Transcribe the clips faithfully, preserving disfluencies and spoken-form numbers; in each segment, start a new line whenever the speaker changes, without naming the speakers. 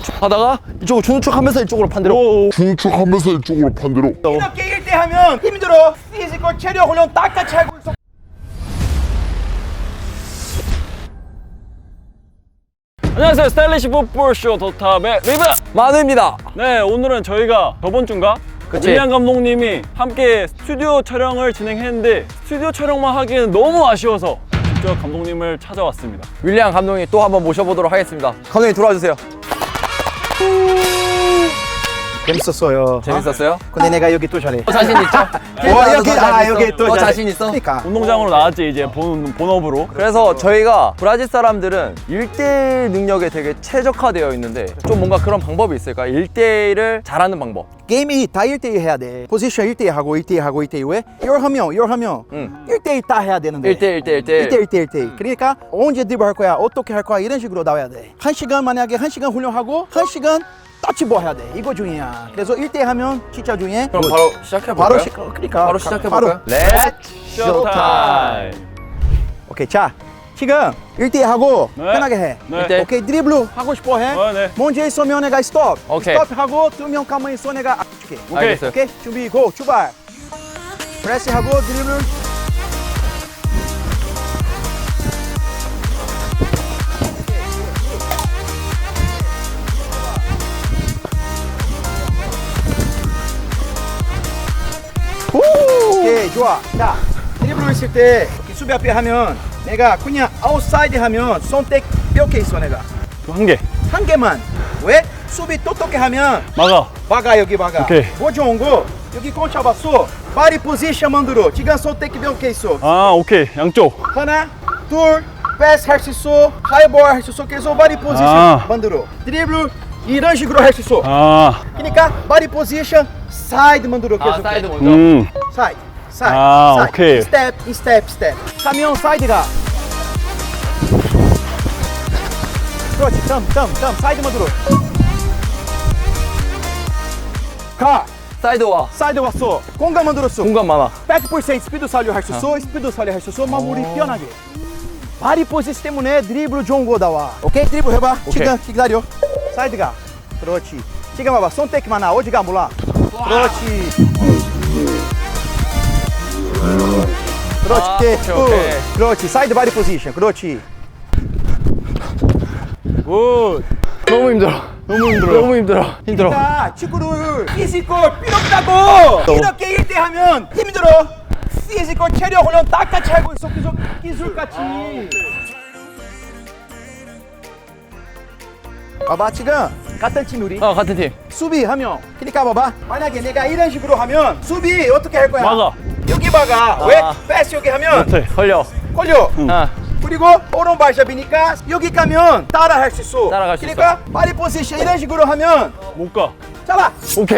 하다가 이쪽으로 주nu축하면서 이쪽으로 반대로.
주nu축하면서 이쪽으로 반대로.
이렇게 일 대 하면 힘들어. 피지컬 체력 훈련 딱같이 하고 있어.
안녕하세요. 스타일리시 풋볼쇼 더탑의 리브
만우입니다.
네, 오늘은 저희가 저번 주인가?
그치.
윌리안 감독님이 함께 스튜디오 촬영을 진행했는데 스튜디오 촬영만 하기에는 너무 아쉬워서 직접 감독님을 찾아왔습니다.
윌리안 감독님 또 한번 모셔보도록 하겠습니다. 감독님 들어와 주세요.
재밌었어요.
재밌었어요?
근데 내가 여기 또 잘해.
어, 자신 있죠?
와, 여기, 아, 여기 또
어,
잘해.
자신 있어?
그러니까.
운동장으로 나왔지 이제 본, 본업으로.
그래서 저희가 브라질 사람들은 일 대 일 능력에 되게 최적화되어 있는데 좀 뭔가 그런 방법이 있을까? 일 대 일을 잘하는 방법.
게임이 다 일 대 일 해야 돼. 포지션 일 대 일 하고 일 대 일 하고 일 대 일 왜? 이걸 하면 이걸 하면
응.
일 대 일 다 해야 되는데.
일 대 일, 일 대 일,
일 대 일, 일 대 일, 일 대 일. 그러니까 언제 드리블 할 거야? 어떻게 할 거야? 이런 식으로 나와야 돼. 한 시간 만약에 한 시간 훈련하고 한 시간 터치볼 해야 돼. 이거 중요야. 그래서 일 대 일 하면 진짜 중요해.
그럼 바로 시작해볼까요?
바로 시, 그러니까
바로 시작해볼까요?
바로.
렛츠
쇼타임.
오케이, 자 지금 일 대 일 하고
네.
편하게 해.
네.
일 대 일.
오케이, 드리블 하고 싶어 해.
어, 네.
먼저 있으면 내가 스톱.
오케이.
스톱 하고 두 명 가만히 있어 내가 앞줄게.
오케이.
알겠어요.
오케이, 준비 고 출발. 프레스 하고 드리블. 오케이, 좋아. 자, 드리블 있을 때 이렇게 수비 앞에 하면 내가 그냥 아웃사이드 하면 손tek 이렇게 있어 내가.
한 개.
한 개만. 왜? 수비 똑똑히 하면
막아.
막아, 여기 막아.
오케이.
뭐 좋은 거 여기 공 잡았어. 바디 포지션 만들어. 지금 손tek 이렇게 있어.
아, 오케이. 양쪽.
하나, 둘, 패스 할 수 있어. 하이볼 할 수 있어. 계속 바디 포지션
아.
만들어. 드리블 이런 식으로 할 수 있어.
아,
그러니까 바디 포지션 사이드 만들어. 계속.
아, 사이드 먼저.
음.
사이드, 사이드,
아,
사이드.
오케이.
스텝, 이 스텝, 스텝. 가면 사이드가. 그렇지, 점, 점, 점. 사이드 만들어. 가.
사이드 와.
사이드 왔어. 공간 만들었어.
공간 많아.
백 퍼센트 스피드 살려 할 수 있어. 스피드 살려 할 수 있어. 마무리 편하게. 바디 포지션 때문에 드리블 좋은 거 나와. 오케이, 드리블 해봐. 지금 기다려. 사이드가. 그렇지. 지금 봐봐. 손tek 많아. 어디가 몰라. 그렇지. 그렇지.
아,
오케이.
오케이, 오케이.
굿. 그렇지. 사이드 바디 포지션. 그렇지.
굿.
너무 힘들어.
너무 힘들어요.
너무 힘들어. 힘들어.
자, 축구를 피지컬 필요 없다고. 이렇게 일 대 하면 힘들어. 피지컬 체력 훈련 딱같이 하고 있어. 계속 기술같이. 봐봐, 지금 같은 팀 우리.
어, 같은 팀.
수비하면 그러니까 봐봐, 만약에 내가 이런 식으로 하면 수비 어떻게 할 거야?
막아.
여기 막아.
아.
왜? 패스 여기 하면
그렇지.
걸려.
걸려.
아,
그리고 오른발잡이니까 여기 가면 따라 할 수 있어.
따라갈 수
그러니까 바디 포지션 이런 식으로 하면
못 가.
잡아.
오케이.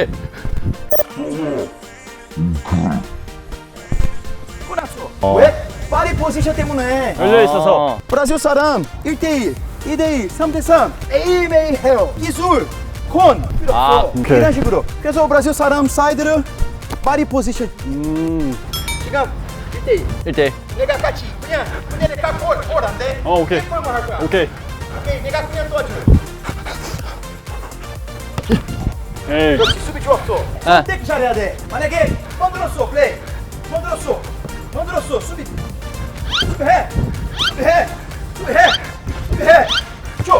끝났어.
어.
왜? 바디 포지션 때문에.
열려 있어서.
아,
브라질 사람 일 대 일, 이 대 일, 삼 대 삼 매일매일 해요. 기술, 콘 필요
아,
없어.
오케이.
이런 식으로. 그래서 브라질 사람 사이드를 바디 포지션.
음.
지금 일 대 일.
일 대 일.
내가 같이 그냥 그냥 내가 골골안 돼.
어, 오케이.
골만 할 거야.
오케이.
오케이, 내가 그냥 도와줘.
에이.
그렇지, 수비 좋았어.
아.
선택 잘해야 돼. 만약에 만들었어, 플레이. 만들었어, 만들었어, 수비. 수비해, 수비해, 수비해, 수비해. 줘.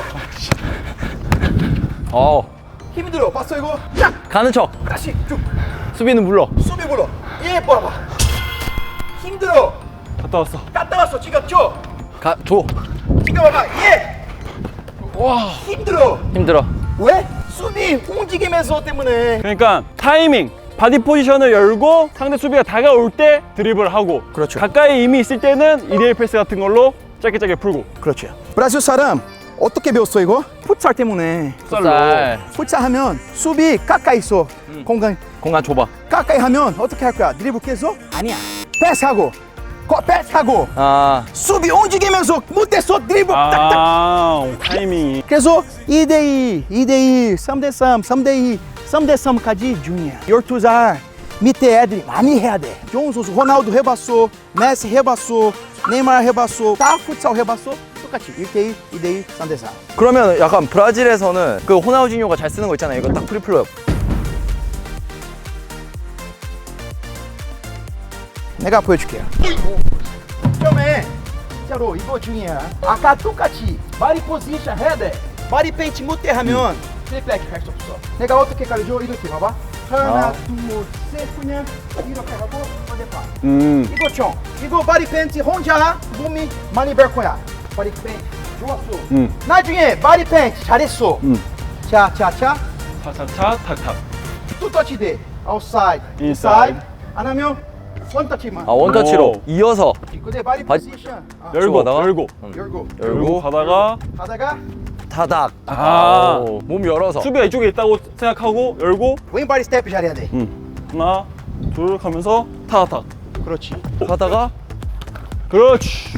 어.
힘들어. 봤어 이거? 딱.
가는 척.
다시 쭉.
수비는 물러.
수비 불러. 얘 봐봐. 힘들어.
갔다 왔어.
갔다 왔어. 지금 줘.
가, 줘.
지금 봐봐. 얘. 와. 힘들어.
힘들어.
왜? 수비 움직이면서 때문에.
그러니까 타이밍, 바디 포지션을 열고 상대 수비가 다가올 때 드리블을 하고
그렇죠.
가까이 이미 있을 때는 이 대 일 패스 같은 걸로 짧게 짧게 풀고.
그렇죠. 브라질 사람 어떻게 배웠어 이거? 풋살 때문에.
풋살.
풋살 하면 수비 가까이 있어. 공간
공간 좁아.
가까이 하면 어떻게 할 거야? 드리블 계속? 아니야. 패스하고, 거 패스하고,
아,
수비 움직이면서 못했어 드리블 딱딱.
아, 타이밍이.
그래서 이 대 이, 이 대 일, 삼 대 삼, 삼 대 이, 삼 대 삼까지 중요해. 열두 살 밑에 애들이 많이 해야 돼. 좋은 선수 호날두 해봤어, 메시 해봤어, 네이마르 해봤어, 다 풋살 해봤어. 똑같이 일 대 일, 이 대 일, 삼 대 사.
그러면 약간 브라질에서는 그 호나우지뉴가 잘 쓰는 거 있잖아요. 이거 딱 프리플롭.
내가 보여줄게요. 처음에 진짜로 이거 중요해. 아까 똑같이 바디 포지션 해야 돼. 바디 페인트 못해 하면 플립백 할 수 없어. 내가 어떻게 가르쳐? 이렇게 봐봐. 하나,
아.
둘, 셋 그냥 이렇게 하고 반대편.
음.
이거 총. 이거 바디 페인트 혼자 몸이 많이 별 거야. 바디 페인트 좋았어.
음.
나중에 바디 페인트 잘했어.
음.
자, 자, 자.
차차차 탁탁.
또 터치 돼. 아웃사이드,
인사이드.
인사이드. 안 하면 원 터치만.
아 원터치로
오.
이어서
근데 바디
바디-
포지션. 아,
열고
하다가?
열고
열고.
열고
가다가
하다가
타닥.
아.
오, 몸 열어서.
수비가 이쪽에 있다고 생각하고 열고
왼발이 스텝 잘해야 돼.
음. 하나 둘 하면서 탁탁.
그렇지.
하다가
그렇지.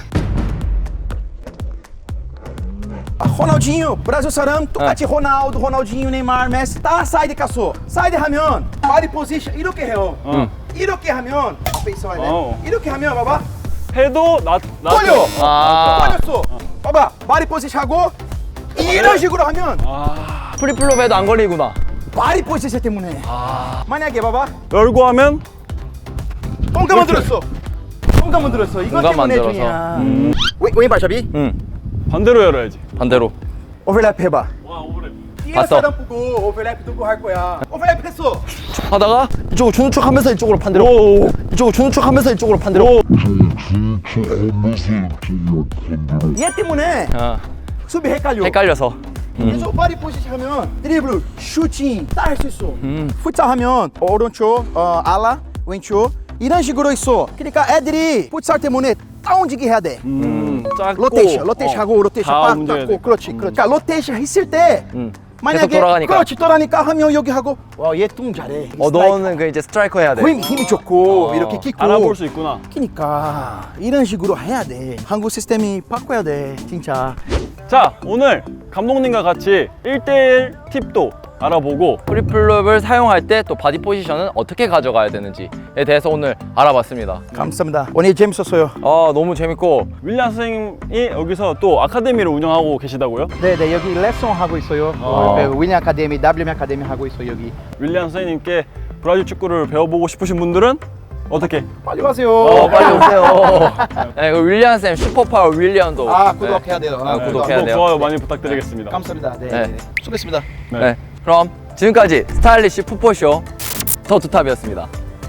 호나우진유 브라질 사람 똑같이 호나우두, 호나우진유, 네이마르, 메시 다 사이드 갔어. 사이드 하면 바디 포지션 이렇게 해요.
어.
이렇게 하면 앞에 있어야 돼.
어.
이렇게 하면 봐봐.
해도 나 나.
걸려.
아.
걸렸어. 봐봐. 바디 포지션 하고 이런 식으로 하면
아.
프리플롭 해도 안 걸리구나.
바디 포지션 때문에. 만약에 봐봐.
열고 하면
똥가 만들었어. 똥가 만들었어. 이거
공간
때문에
만들어서.
중이야.
음.
왼- 왼발 잡이.
응.
반대로 열어야지.
반대로.
오버랩 해봐.
와 오버랩.
뒤에
봤어.
사람 보고 오버랩 두고 할 거야. 오버랩 했어.
하다가 이쪽으로 주는 척 하면서 이쪽으로 반대로.
오.
이쪽으로 주는 척 하면서 이쪽으로 반대로.
오.
하면서 이쪽으로 반대로.
얘 때문에
아,
수비 헷갈려.
헷갈려서.
그래서 바디 포지션 하면 드리블, 슈팅 다 할 수 있어.
음.
풋살 하면 오른쪽, 어, 알라, 왼쪽 이런 식으로 있어. 그러니까 애들이 풋살 때문에 다운지기 해야 돼.
음. 작고.
로테이션, 로테이션
어.
하고 로테이션
다
빡
움직여야
닦고
돼.
그렇지, 그렇지. 그러니까 로테이션 했을 때
음.
만약에
계속 돌아가니까.
그렇지 돌아가니까 하면 여기 하고 와얘뚱 잘해.
어 너는 그 이제 스트라이커 해야 돼.
힘 힘이 좋고
어.
이렇게 킥고.
알아볼 수 있구나.
그러니까 이런 식으로 해야 돼. 한국 시스템이 바꿔야 돼, 진짜.
자 오늘 감독님과 같이 일 대일 팁도 알아보고
프리플롭을 사용할 때 또 바디 포지션은 어떻게 가져가야 되는지에 대해서 오늘 알아봤습니다.
감사합니다. 오늘 재밌었어요.
아 너무 재밌고
윌리안 선생님이 여기서 또 아카데미를 운영하고 계시다고요?
네, 네 여기 레슨 하고 있어요.
어.
어, 윌리엄 아카데미, 더블유엠 아카데미 하고 있어요 여기.
윌리안 선생님께 브라질 축구를 배워보고 싶으신 분들은 어떻게?
빨리 가세요.
어 빨리 오세요. 네, 그 윌리안 쌤 슈퍼파워 윌리안도
아 구독해야 돼요.
아,
네,
구독해야
구독,
돼요.
좋아요 많이 부탁드리겠습니다.
감사합니다. 네,
네.
네. 수고했습니다.
네.
네. 그럼 지금까지 스타일리시 풋볼쇼 더 두탑이었습니다.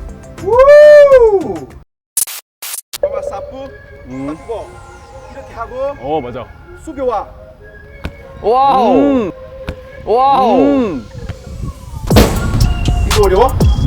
우! 봐봐 사프,
음.
사프고 이렇게 하고
어 맞아.
수교와
와우.
음.
와우.
음.
이거 어려워?